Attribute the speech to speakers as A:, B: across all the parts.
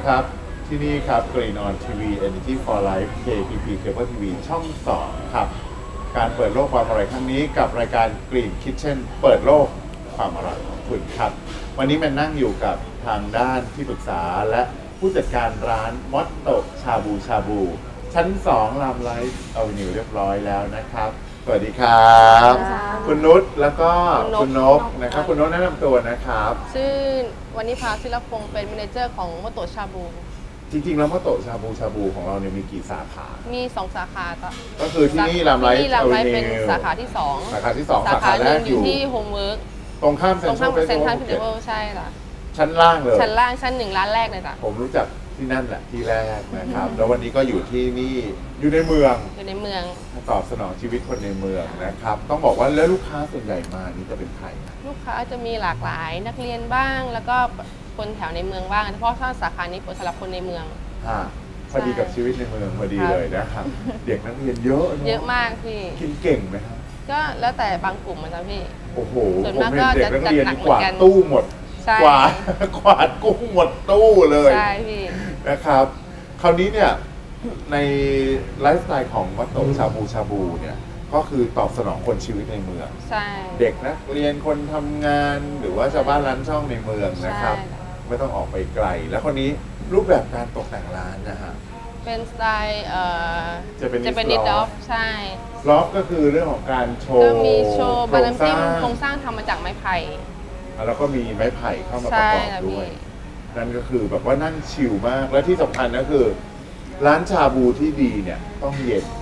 A: ครับที่นี่ครับ Green On TV Energy for Life KPP Cable TV ช่อง2ครับการเปิดโลกความอร่อยครั้งนี้กับรายการ Green Kitchen เปิดโลกความอร่อยของคุณครับวันนี้มันนั่งอยู่กับทางด้านที่ปรึกษาและผู้จัดการร้านมอตโตชาบูชั้น2ลามไลฟ์เอานิวเรียบร้อยแล้วนะครับสวัสดีครับคุณนุชแล้วก็คุณนกนะครับคุณนกแนะนำตัวนะครับ
B: ชื่อวณิภาศิลพงศ์เป็นแมเนเจอร์ของมโตชาบู
A: จริงๆแล้วมอโตชาบูของเราเนี่ยมีกี่สาขา
B: มี 2 สาขา
A: ก็คือที่นี่ลามไลฟ์
B: เป็นสาขาที่ 2
A: สาขาที่2
B: สาขาหนึ่งอยู่ที่โฮมเวิร์ก
A: ตรงข้ามเซ็นทรัลเฟสติวัล
B: ใช่ค่ะ
A: ชั้นล่างเลย
B: ชั้นล่างชั้น1ร้านแรกเลยจ้ะ
A: ผมรู้จักที่นั่นแหละที่แรกนะครับแล้ววันนี้ก็อยู่ที่นี่อยู่ในเมืองตอบสนองชีวิตคนในเมืองนะครับต้องบอกว่าแล้วลูกค้าส่วนใหญ่มานี่จะเป็นใคร
B: ลูกค้าจะมีหลากหลายนักเรียนบ้างแล้วก็คนแถวในเมืองบ้างเพราะสาขานี้เปิดสำหรับคนในเมือง
A: พอดีกับชีวิตในเมืองพอดีเลยนะครับเด็กนักเรียนเยอะ
B: เยอะมากพี่
A: กินเก่งไหมครับ
B: ก็แล้วแต่บางกลุ่มนะจ๊ะพี่
A: โอ้โหส่วนมากก็จะจัดหนักเหมือนกันตู้หมดกวาดกุ้งหมดตู้เลย
B: ใช่พี่
A: นะครับคราวนี้เนี่ยในไลฟ์สไตล์ของมัตโตชาบูเนี่ยก็คือตอบสนองคนชีวิตในเมือง
B: ใช่
A: เด็กนักเรียนคนทำงานหรือว่าชาวบ้านร้านช่องในเมืองนะครับไม่ต้องออกไปไกลแล้วคนนี้รูปแบบการตกแต่งร้านนะฮะ
B: เป็นสไตล์
A: จะเป็น
B: นิดด็อกใช่
A: ล็อกก็คือเรื่องของการโชว์
B: ก็มีโชว์บาน้ำจิ้มโครงสร้างทำมาจากไม้ไผ่
A: แล้วก็มีไม้ไผ่เข้ามาประกอบด้วยนั่นก็คือแบบว่านั่งชิลมากและที่สำคัญก็คือร้านชาบูที่ดีเนี่ยต้องเย็น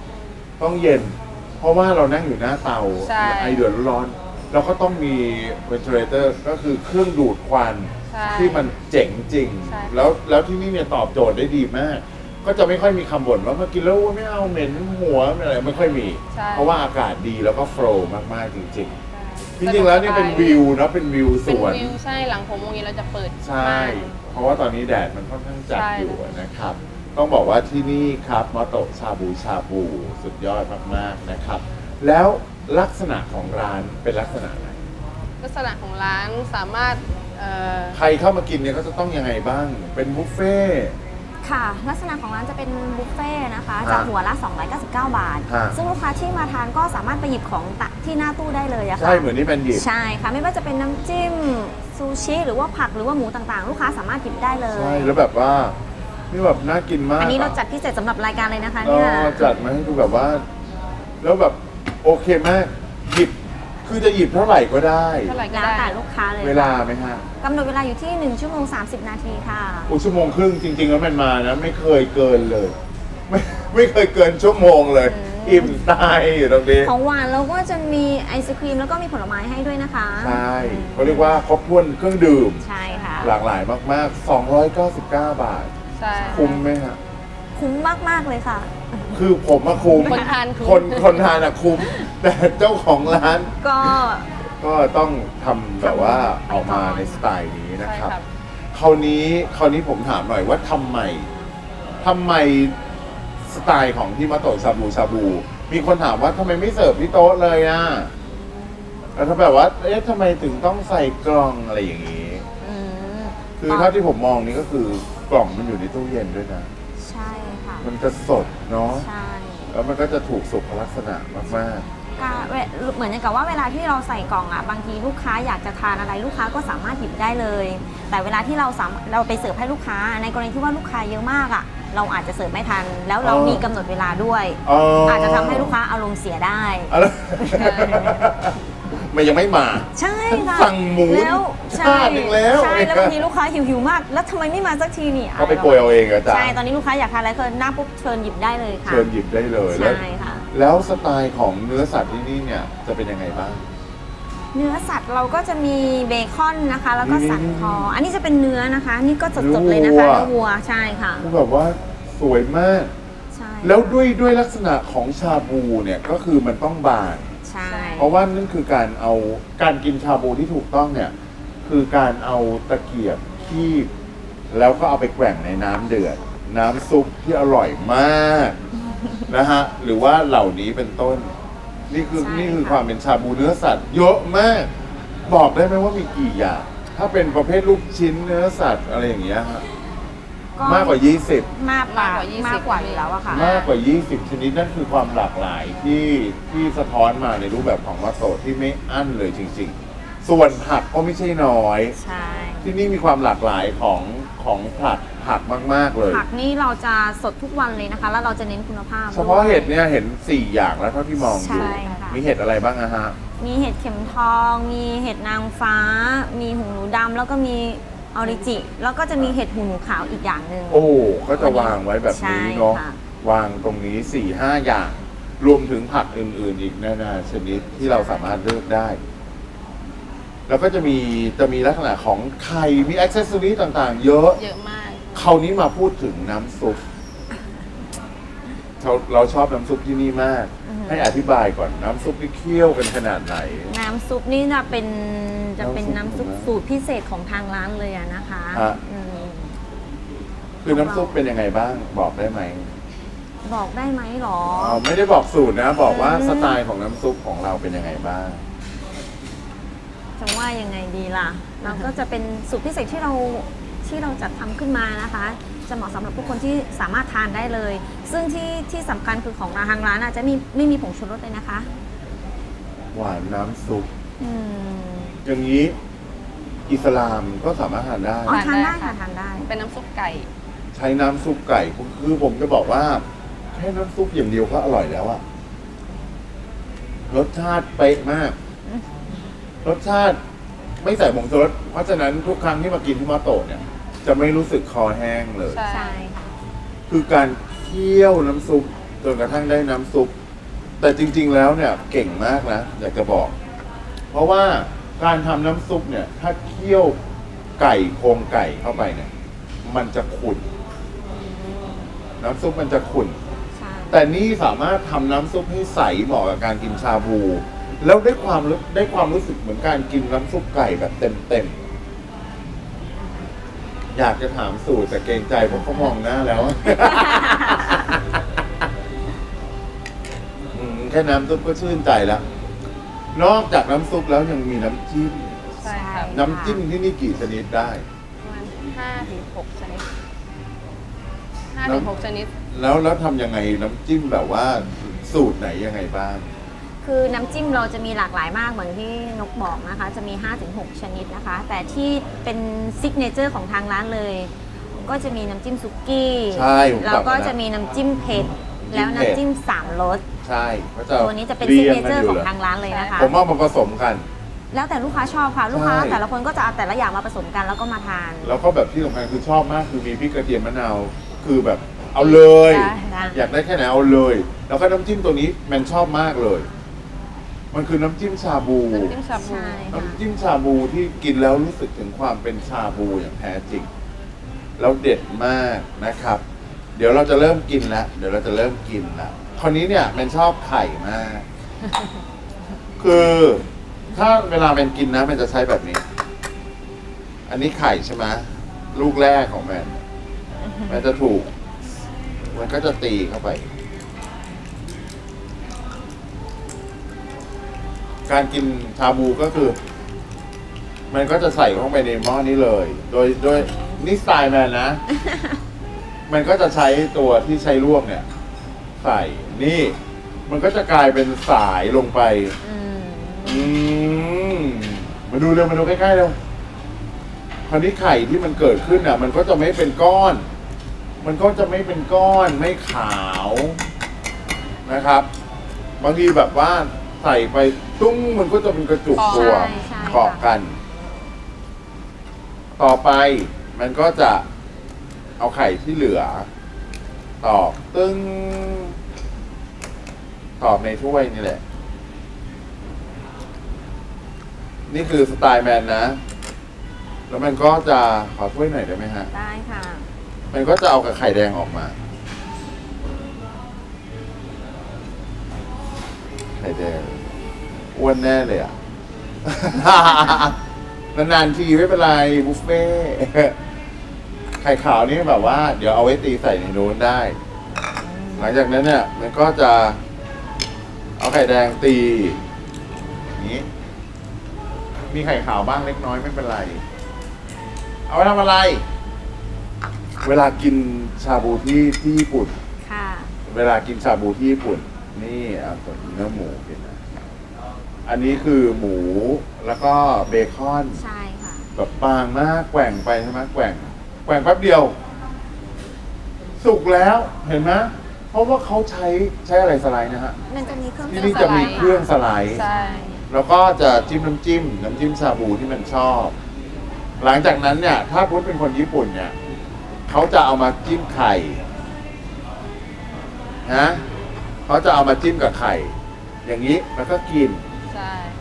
A: เพราะว่าเรานั่งอยู่หน้าเตาไอเดือดร้อนเราก็ต้องมีเวนทิเลเตอร์ก็คือเครื่องดูดควันที่มันเจ๋งจริงแล้วที่นี่เนี่ยตอบโจทย์ได้ดีมากก็จะไม่ค่อยมีคำบ่นว่ามากินแล้วไม่เอาเหม็นหัวอะไรไม่ค่อยมีเพราะว่าอากาศดีแล้วก็โฟลว์มากๆจริงๆแล้วนี่เป็นวิวนะเป็นวิวสวน
B: ใช่หลัง6 โมงเย็นเราจะเปิด
A: ใช่เพราะว่าตอนนี้แดดมันค่อนข้างจัดอยู่นะครับต้องบอกว่าที่นี่ครับมอโตชาบูสุดยอดมากๆนะครับแล้วลักษณะของร้านเป็นลักษณะไหน
B: ลักษณะของร้านสามารถ
A: ใครเข้ามากินเนี่ยก็จะต้องยังไงบ้างเป็นบุฟเฟ่
C: ค่ะลักษณะของร้านจะเป็นบุฟเฟ่นะคะจากหัวละ299 บาทซึ่งลูกค้าที่มาทานก็สามารถไปหยิบของตักที่หน้าตู้ได้เลยอะค่ะ
A: ใช่เหมือนที่เป็นหยิบ
C: ใช่ค่ะไม่ว่าจะเป็นน้ำจิ้มซูชิหรือว่าผักหรือว่าหมูต่างๆลูกค้าสามารถหยิบได้เลย
A: ใช่แล้วแบบว่านี่แบบน่ากินมาก
C: อันนี้เราจัดพิเศษสำหรับรายการเลยนะคะเนี่ย
A: จัดมาให้ดูแบบว่าแล้วแบบโอเคมากหยิบคือจะหยิบเท่าไหร่ก็ได้
C: แล้วแต่ลูกค้าเลย
A: เวลาไหมฮะ
C: กำหนดเวลาอยู่ที่1 ชั่วโมง 30 นาทีค่ะ
A: ชั่วโมงครึ่งจริงๆแล้วมันมานะไม่เคยเกินเลยไม่เคยเกินชั่วโมงเลยอิ่มตายอยู่ตรงนี้
C: ของหวานเราก็จะมีไอศครีมแล้วก็มีผลไม้ให้ด้วยนะคะ
A: ใช่เขาเรียกว่าครบถ้วนเครื่องดื่ม
C: ใช่ค่ะ
A: หลากหลายมากๆ299 บาท
B: ใช่
A: คุ้มไหมฮะ
C: คุ้มมากๆเลยค่ะ
A: คือผมมาคุ้ม
B: คนทาน
A: อะคุ้มแต่เจ้าของร้านก็ต้องทำแบบว่าออกมาในสไตล์นี้นะครับคราวนี้ผมถามหน่อยว่าทำไมสไตล์ของที่มาโตะชาบูมีคนถามว่าทำไมไม่เสิร์ฟที่โต๊ะเลยอ่ะแล้วถ้าแบบว่าทำไมถึงต้องใส่กล่องอะไรอย่างนี้คือเท่าที่ผมมองนี่ก็คือกล่องมันอยู่ในตู้เย็นด้วยนะ
C: ใช่ค่ะ
A: มันจะสดเนาะ
C: ใช่
A: แล้วมันก็จะถูกสุขลักษณะมาก
C: เหมือนกับว่าเวลาที่เราใส่กล่องอ่ะบางทีลูกค้าอยากจะทานอะไรลูกค้าก็สามารถหยิบได้เลยแต่เวลาที่เราไปเสิร์ฟให้ลูกค้าในกรณีที่ว่าลูกค้าเยอะมากอ่ะเราอาจจะเสิร์ฟไม่ทันแล้วเรามีกำหนดเวลาด้วยอาจจะทำให้ลูกค้าอารมณ์เสียได้
A: มันยังไม่มา
C: ใช่ค่ะ
A: สั่งหมู
C: แล้ว
A: ชาตินึงแล้ว
C: ใช่แล้วบางทีลูกค้าหิวมากแล้วทำไมไม่มาสักทีนี่
A: เขาไปโกยเอาเองอาจารย์
C: ใช่ตอนนี้ลูกค้าอยากทานอะไรคือหน้าปุ๊บเชิญหยิบได้เลยค่ะ
A: เชิญหยิบได้เลย
C: ใช่ค่ะ
A: แล้วสไตล์ของเนื้อสัตว์ที่นี่เนี่ยจะเป็นยังไงบ้าง
C: เนื้อสัตว์เราก็จะมีเบคอนนะคะแล้วก็สันคออันนี้จะเป็นเนื้อนะคะนี่ก็สดๆเลยนะคะเนื้อวัวใช่ค่ะ
A: แบบว่าสวยมากใช่แล้วด้วยลักษณะของชาบูเนี่ยก็คือมันต้องบาน
C: ใช่
A: เพราะว่านั่นคือการกินชาบูที่ถูกต้องเนี่ยคือการเอาตะเกียบคีบแล้วก็เอาไปแกว่งในน้ำเดือดน้ำซุปที่อร่อยมากนะฮะหรือว่าเหล่านี้เป็นต้นนี่คือความเป็นชาบูเนื้อสัตว์เยอะมากบอกได้ไหมว่ามีกี่อย่างถ้าเป็นประเภทลูกชิ้นเนื้อสัตว์อะไรอย่างเงี้ยฮะมากกว่า
C: มากกว่าม
B: ากกว่า20
C: มากกว่าอยู่แล้วอะค่ะ
A: 20 มากกว่า 20 ชนิดนั่นคือความหลากหลายที่สะท้อนมาในรูปแบบของวัตโตที่ไม่อั้นเลยจริงๆ ส่วนผักก็ไม่ใช่น้อย
C: ใช่
A: ที่นี่มีความหลากหลายของผักมากๆเลย
C: ผักนี่เราจะสดทุกวันเลยนะคะ แล้วเราจะเน้นคุณภาพ
A: เฉพาะ
C: ด้วย
A: เห็ดเนี่ยเห็น 4 อย่างแล้วเท่าที่มองอยู่
C: ใช่ค่ะ
A: มีเห็ดอะไรบ้างอะฮะ
C: มีเห็ดเข็มทอง มีเห็ดนางฟ้า มีหูหนูดำแล้วก็มีออริจิ แล้วก็จะมีเห็ดหูหนูขาวอีกอย่างหนึ่ง
A: โอ้ก็จะวางไว้แบบนี้เนาะ
C: ใช่ค่ะ
A: วางตรงนี้ 4-5 อย่าง รวมถึงผักอื่นๆอีกนานาชนิดที่เราสามารถเลือกได้ แล้วก็จะมีลักษณะของไข่ มีอ็อกเซสซอรี่ต่างๆ เยอะ
B: เยอะมาก
A: คราวนี้มาพูดถึงน้ำซุป เราชอบน้ำซุปที่นี่มาก ให้อธิบายก่อนน้ำซุปที่เคี่ยวกันขนาดไหน
C: น้ำซุปนี่จะเป็น
A: น้ำซุป
C: น้ำซุปสูตรพิเศษของทางร้านเลยอะนะคะ
A: ฮะ
C: อืม
A: คือน้ำซุปเป็นยังไงบ้าง บอกได้ไหม
C: บอกได้ไหมหรอ
A: ไม่ได้บอกสูตรนะ บอกว่า
C: อืม
A: สไตล์ของน้ำซุปของเราเป็นยังไงบ้าง
C: จะว่ายังไงดีล่ะ เราก็จะเป็นสูตรพิเศษที่เราจัดทำขึ้นมานะคะ จะเหมาะสำหรับผู้คนที่สามารถทานได้เลย ซึ่งที่สำคัญคือของทางร้านอาจจะไม่มีผงชูรสเลยนะคะ
A: หวานน้ำซุป
C: อืม
A: อย่างนี้อิสลามก็สามารถทานได้
C: อ๋อทานได้
B: ทานได้
C: ค่ะ
B: ค่ะ
C: ทานได้
B: เป็นน้ำซุปไก่
A: ใช้น้ำซุปไก่คือผมจะบอกว่าแค่น้ำซุปอย่างเดียวก็อร่อยแล้วอะรสชาติเป๊ะมาก รสชาติไม่ใส่ผงชูรสเพราะฉะนั้นทุกครั้งที่มากินที่มาโตะเนี่ย จะไม่รู้สึกคอแห้งเลย
B: ใช่
C: ใช่ค่ะ
A: คือการเคี่ยวน้ำซุปจนกระทั่งได้น้ำซุป แต่จริง ๆ แล้วเนี่ยเก่งมากนะอยากจะบอก เพราะว่าการทำน้ำซุปเนี่ย ถ้าเคี่ยวไก่โครงไก่เข้าไปเนี่ย มันจะขุ่นน้ำซุปมันจะขุ่น
C: ใช่ แต่
A: แต่นี่สามารถทำน้ำซุปให้ใสเหมาะกับการกินชาบู แล้วได้ความรู้สึกเหมือนการกินน้ำซุปไก่แบบเต็มๆอยากจะถามสูตรแต่เกรงใจเพราะเขามองหน้าแล้ว แค่น้ำซุปก็ชื่นใจแล้ว นอกจากน้ำซุปแล้วยังมีน้ำจิ้ม
B: ใช่ครับ
A: น้ำจิ้มที่นี่กี่ชนิดได้
B: ประมาณ5-6 ชนิด5-6 ชนิด
A: แล้วทำยังไงน้ำจิ้มแบบว่าสูตรไหนยังไงบ้าง
C: คือน้ำจิ้มเราจะมีหลากหลายมากเหมือนที่นกบอกนะคะ จะมี 5-6 ชนิดนะคะ แต่ที่เป็นซิกเนเจอร์ของทางร้านเลย ก็จะมีน้ำจิ้มซุกี้
A: ใช่ผม
C: แล้วก็
A: จำได้
C: จะมีน้ำจิ้มเผ็ด แล้ว
A: น้ำจิ้มเผ็ด
C: น้ำจิ้ม3 รส
A: ใช่เขาจะ
C: ตัวนี้จะเป็น
A: รี
C: ซิก
A: ย
C: เนเจอร์
A: กั
C: ของ
A: ยู่ห
C: ทางร้านเลยนะคะ
A: ผมเอามาผสมกัน
C: แล้วแต่ลูกค้าชอบค่ะ ลูกค้า
A: ใช่
C: แต่ละคนก็จะเอาแต่ละอย่างมาผสมกันแล้วก็มาทาน
A: แล้วก็แบบที่สำคัญคือชอบมากคือมีพริกกระเทียมมะนาวคือแบบเอาเลย
B: ได้
A: อยากได้แค่ไหนเอาเลย แล้วก็น้ำจิ้มตัวนี้แมนชอบมากเลย มันคือน้ำจิ้มชาบู
B: น้ำจิ้มชาบู
C: ใช่ค่ะ
A: น้ำจิ้มชาบูที่กินแล้วรู้สึกถึงความเป็นชาบูอย่างแท้จริง แล้วเด็ดมากนะครับ เดี๋ยวเราจะเริ่มกินแล้วคราวนี้เนี่ยแมนชอบไข่มาก คือถ้าเวลาแมนกินนะแมนจะใช้แบบนี้ อันนี้ไข่ใช่ไหมลูกแรกของแมนมันจะถูก มันก็จะตีเข้าไป การกินชาบูก็คือ มันก็จะใส่เข้าไปในหม้อนี้เลย โดยนี่สไตล์แมนนะ มันก็จะใช้ตัวที่ใช้ลวกเนี่ย ใส่นี่ มันก็จะกลายเป็นสายลงไป
C: อืม
A: อืมมาดูเร็วมาดูใกล้ๆเร็วคราวนี้ไข่ที่มันเกิดขึ้นอ่ะ มันก็จะไม่เป็นก้อน มันก็จะไม่เป็นก้อนไม่ขาวนะครับ บางทีแบบว่าใส่ไปตุ้งมันก็จะเป็นกระจุกตัว
C: ใช่
A: เกาะกัน ต่อไปมันก็จะเอาไข่ที่เหลือ ตอกตึ้งตอกในถ้วยนี่แหละ นี่คือสไตล์แมนนะ แล้วมันก็จะขอถ้วยหน่อยได้ไหมฮะ
C: ได้ค่ะ
A: มันก็จะเอากับไข่แดงออกมา ไข่แดงอ้วนแน่เลยอ่ะ นานๆทีไม่เป็นไรบุฟเฟ่ต์ไข่ขาวนี่แบบว่า เดี๋ยวเอาไว้ตีใส่ในนู้นได้ หลังจากนั้นเนี่ย มันก็จะเอาไข่แดงตีอย่างนี้ มีไข่ขาวบ้างเล็กน้อยไม่เป็นไร เอาไว้ทำอะไรเวลากินชาบูที่ญี่ปุ่น
C: ค่ะ
A: เวลากินชาบูที่ญี่ปุ่น นี่เอาส่วนเนื้อหมูกินนะอันนี้คือหมูแล้วก็เบคอน
C: ใช่ค่ะ
A: แบบบางมากแกว่งไปใช่ไหมแกว่งแป๊บเดียว สุกแล้วเห็นไหมเพราะว่าเขาใช้อะไรสไลด์นะฮะ
C: มันจะมีเครื่อง
A: ที่นี่จะมีเครื่องสไลด์
B: ใช่
A: แล้วก็จะจิ้มน้ำจิ้มชาบูที่มันชอบ หลังจากนั้นเนี่ย ถ้าพุทธเป็นคนญี่ปุ่นเนี่ยเขาจะเอามาจิ้มไข่นะเขาจะเอามาจิ้มกับไข่ อย่างนี้แล้วก็กิน
B: ใช่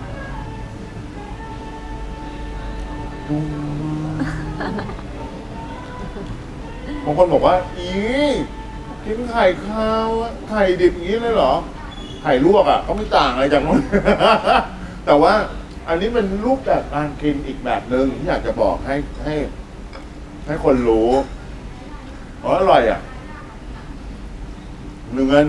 A: บางคนบอกว่าอีกินไข่ขาวอะไข่ดิบอย่างนี้เลยเหรอ ไข่ลวกอ่ะก็ไม่ต่างอะไรจากนู้น แต่ว่าอันนี้เป็นรูปแบบการกินอีกแบบหนึ่งที่อยากจะบอกให้คนรู้อ๋ออร่อยอ่ะเนื้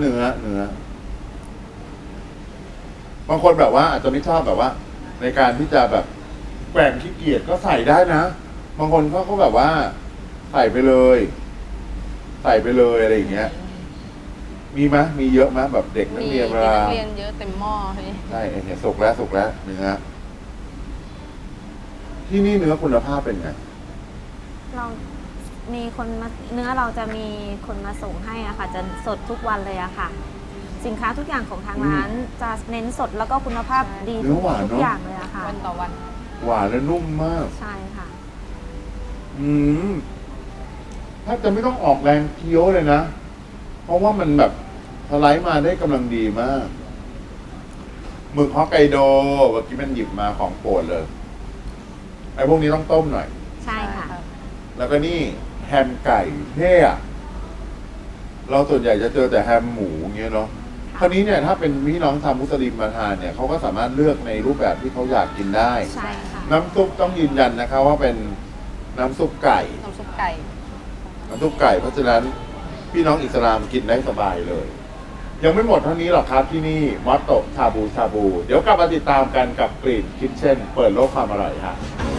A: อบางคนแบบว่าอาจจะไม่ชอบแบบว่า ในการที่จะแบบแกว่งขี้เกียจก็ใส่ได้นะบางคนเขาแบบว่า ใส่ไปเลยอะไรอย่างเงี้ย มีไหมมีเยอะไหมแบบเด็กนัก
B: มี
A: เรียนเว
B: นั
A: ลา
B: กเรียนเยอะเต็มหม้อเลย
A: ใช่เนี่ยสุกแล้วเนื้อที่นี่เนื้อคุณภาพเป็นไง
C: เรามีคนมาเนื้อเราจะมีคนมาส่งให้อะค่ะ จะสดทุกวันเลยอะค่ะ สินค้าทุกอย่างของทางร้านจะเน้นสดแล้วก็คุณภาพดี
A: เนื้อหวาน
C: ทุ
A: เนอะ
C: กอย่างเลยอะค่ะ
B: วันต่อวัน
A: หวานและนุ่มมาก
C: ใช่ค่ะ
A: ถ้าจะไม่ต้องออกแรงเคี้ยวเลยนะ เพราะว่ามันแบบสไลด์มาได้กำลังดีมากหมึกฮอกไกโดเมื่อกี้มันหยิบมาของโปรดเลยไอ้พวกนี้ต้องต้มหน่อย
C: ใช่ค่ะ
A: แล้วก็นี่แฮมไก่เท่อะเราส่วนใหญ่จะเจอแต่แฮมหมูเงี้ยเนาะคราวนี้เนี่ยถ้าเป็นพี่น้องทำมุสลิมมาทานเนี่ยเขาก็สามารถเลือกในรูปแบบที่เขาอยากกินได้
C: ใช่ค่ะ
A: น้ำซุปต้องยืนยันนะคะว่าเป็นน้ำซุปไก่
B: น้ำซุปไก่
A: น้ำซุปไก่เพราะฉะนั้นพี่น้องอิสลามกินได้สบายเลย ยังไม่หมดเท่านี้หรอกครับที่นี่มอตโตชาบู เดี๋ยวกลับมาติดตามกันกับกลิ่นคิทเช่นเปิดโลกความอร่อยฮะ